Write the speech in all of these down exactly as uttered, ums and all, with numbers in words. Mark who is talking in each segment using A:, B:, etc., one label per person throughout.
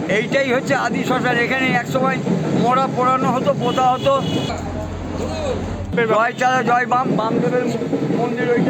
A: এইটাই হচ্ছে আদি শ্মশান। এখানে একসময় মোড়া পোড়ানো হতো, পোতা হতো। জয় চারা জয় বাম, বামদেবের মন্দির ওইটা।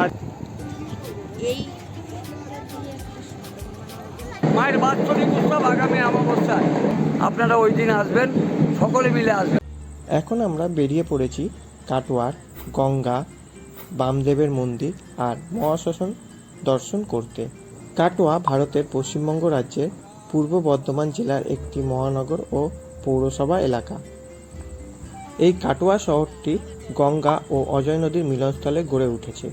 A: মায়ের বাৎসরিক উৎসব আগামী অমাবস্যায়, আপনারা ওই দিন আসবেন, সকলে মিলে আসবেন।
B: এখন আমরা বেরিয়ে পড়েছি কাটোয়ার গঙ্গা, বামদেবের মন্দির আর মহাশ্মশান দর্শন করতে। কাটোয়া ভারতের পশ্চিমবঙ্গ রাজ্যের পূর্ব বর্ধমান জেলার একটি মহানগর ও পৌরসভা এলাকা। এই কাটোয়া শহরটি গঙ্গা ও অজয় নদীর মিলনস্থলে গড়ে উঠেছে।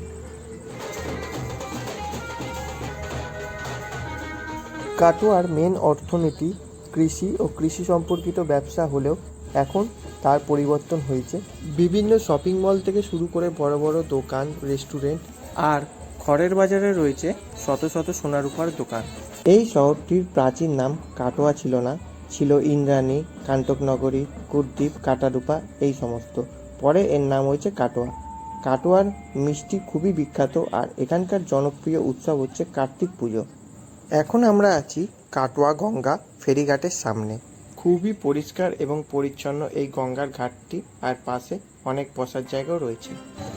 B: কাটোয়ার মেন অর্থনীতি কৃষি ও কৃষি সম্পর্কিত ব্যবসা হলেও এখন তার পরিবর্তন হয়েছে। বিভিন্ন শপিং মল থেকে শুরু করে বড় বড় দোকান, রেস্টুরেন্ট আর খড়ের বাজারে রয়েছে শত শত সোনারূপার দোকান। এই শহরটির প্রাচীন নাম কাটোয়া ছিল না, ছিল ইন্দ্রাণী, কান্তকনগরী, কুলদ্বীপ, কাটারূপা এই সমস্ত। পরে এর নাম হয়েছে কাটোয়া। কাটোয়ার মিষ্টি খুবই বিখ্যাত আর এখানকার জনপ্রিয় উৎসব হচ্ছে কার্তিক পুজো। এখন আমরা আছি কাটোয়া গঙ্গা ফেরিঘাটের সামনে। খুবই পরিষ্কার এবং পরিচ্ছন্ন এই গঙ্গার ঘাটটি, আর পাশে অনেক বসার জায়গাও রয়েছে।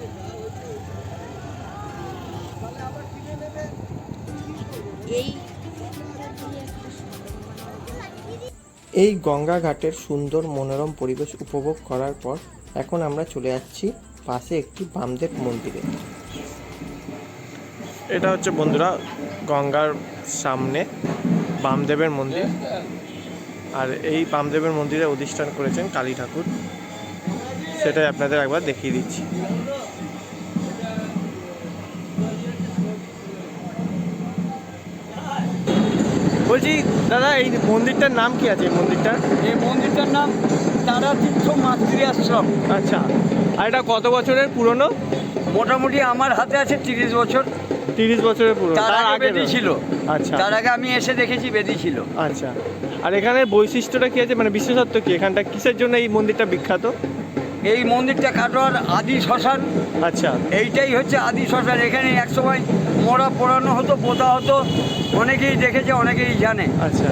B: এই গঙ্গা ঘাটের সুন্দর মনোরম পরিবেশ উপভোগ করার পর এখন আমরা চলে যাচ্ছি পাশে একটি বামদেব মন্দিরে। এটা হচ্ছে বন্ধুরা গঙ্গার সামনে বামদেবের মন্দির, আর এই বামদেবের মন্দিরে অধিষ্ঠান করেছেন কালী ঠাকুর, সেটাই আপনাদের একবার দেখিয়ে দিচ্ছি। বলছি দাদা, এই মন্দিরটার নাম কি আছে? এই মন্দিরটার
A: এই মন্দিরটার নাম তারাতীর্থ মাতৃ আশ্রম।
B: আচ্ছা, আর এটা কত বছরের পুরনো?
A: মোটামুটি আমার হাতে আছে তিরিশ বছর।
B: তিরিশ বছরের পুরনো।
A: তার আগে বেদি ছিল।
B: আচ্ছা,
A: তার আগে আমি এসে দেখেছি বেদি ছিল।
B: আচ্ছা, আর এখানের বৈশিষ্ট্যটা কি আছে, মানে বিশেষত্ব কি এখানটা, কিসের জন্য এই মন্দিরটা বিখ্যাত?
A: এই মন্দিরটা কাটোয়ার আদি শ্মশান।
B: আচ্ছা,
A: এইটাই হচ্ছে আদি শ্মশান। এখানে একসময় মোড়া পোড়ানো হতো, পোতা হতো, অনেকেই দেখেছে, অনেকেই জানে।
B: আচ্ছা,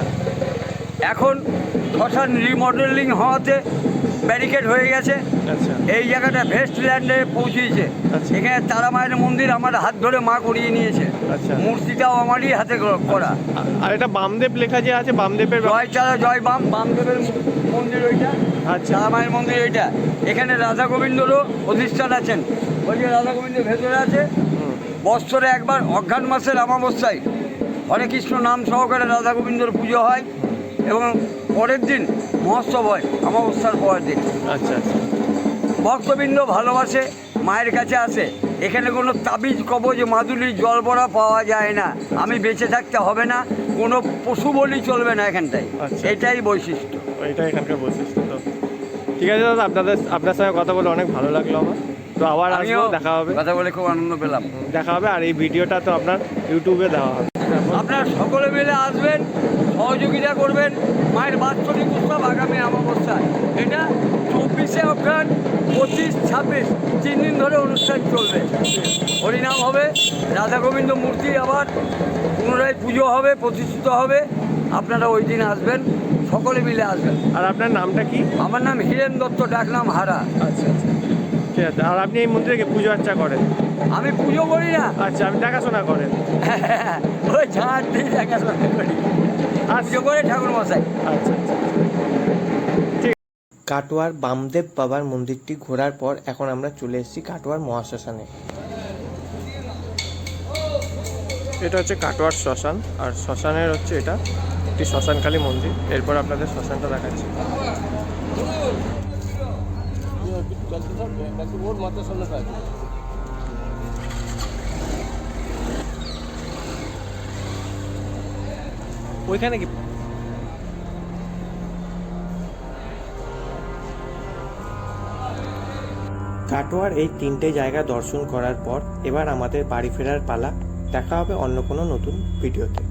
A: এখন শ্মশান রিমডেলিং হওয়াতে ব্যারিকেড হয়ে গেছে।
B: আচ্ছা,
A: এই জায়গাটা ভেস্টল্যান্ডে পৌঁছেছে।
B: আচ্ছা,
A: এখানে তারা মায়ের মন্দির আমার হাত ধরে মা করিয়ে নিয়েছে।
B: আচ্ছা,
A: মূর্তিটাও আমারই হাতে করা।
B: আর এটা বামদেব লেখা যে আছে, বামদেবের
A: জয় চারা জয় বাম, বামদেবের মন্দির ওইটা।
B: আচ্ছা,
A: তারা মায়ের মন্দির ওইটা। এখানে রাধা গোবিন্দরও অধিষ্ঠান আছেন। ওই যে রাধা গোবিন্দ ভেতরে আছে। বৎসরে একবার অঘ্রাণ মাসের অমাবস্যায় হরে কৃষ্ণ নাম সহকারে রাধা গোবিন্দর পুজো হয় এবং পরের দিন মহোৎসব হয় অমাবস্যার পরের দিন।
B: আচ্ছা, আচ্ছা,
A: ভক্তবৃন্দ ভালোবাসে, মায়ের কাছে আসে। এখানে কোনো তাবিজ কবজ মাদুলি জল ভরা পাওয়া যায় না। আমি বেঁচে থাকতে হবে না, কোনো পশু বলি চলবে না এখানটায়।
B: আচ্ছা,
A: এটাই বৈশিষ্ট্য।
B: এটাই এখানকার বৈশিষ্ট্য। তো ঠিক আছে দাদা, আপনাদের আপনার সঙ্গে কথা বলে অনেক ভালো লাগলো আমার। তো আবার আসবো, দেখা হবে।
A: কথা বলে খুব আনন্দ পেলাম।
B: দেখা হবে, আর এই ভিডিওটা তো আপনার ইউটিউবে দেওয়া হবে।
A: আপনারা সকলে মিলে আসবেন, সহযোগিতা করবেন। মায়ের বাৎসরিক উৎসব আগামী অমাবস্যায়। এটা চব্বিশে অঘ্রাণ, পঁচিশ ছাব্বিশ তিন দিন ধরে অনুষ্ঠান চলবে। হরিনাম হবে, রাধা গোবিন্দ মূর্তি আবার পুনরায় পুজো হবে, প্রতিষ্ঠিত হবে। আপনারা ওই দিন আসবেন, সকলে মিলে আসবেন।
B: আর আপনার নামটা কি?
A: আমার নাম হীরেন দত্ত, ডাকনাম হারা।
B: আচ্ছা, আচ্ছা, ঠিক আছে। আর আপনি এই মন্দিরে পুজো আর্চা করেন?
A: আমি পুজো করি না।
B: আচ্ছা, আমি দেখাশোনা করেন?
A: ওই ঝাঁট দিয়ে দেখাশোনা করি, আর পুজো করে ঠাকুর মশাই।
B: আচ্ছা, আচ্ছা, ঠিক। কাটোয়ার বামদেব বাবার মন্দিরটি ঘোরার পর এখন আমরা চলে এসেছি কাটোয়ার মহাশ্মশানে। এটা হচ্ছে কাটোয়ার শ্মশান, আর শ্মশানের হচ্ছে এটা একটি শ্মশানকালী মন্দির। এরপর আপনাদের শ্মশানটা দেখাচ্ছি। ওইখানে কি কাটোয়ার এই তিনটে জায়গা দর্শন করার পর এবার আমাদের বাড়ি ফেরার পালা। দেখা হবে অন্য কোনো নতুন ভিডিওতে।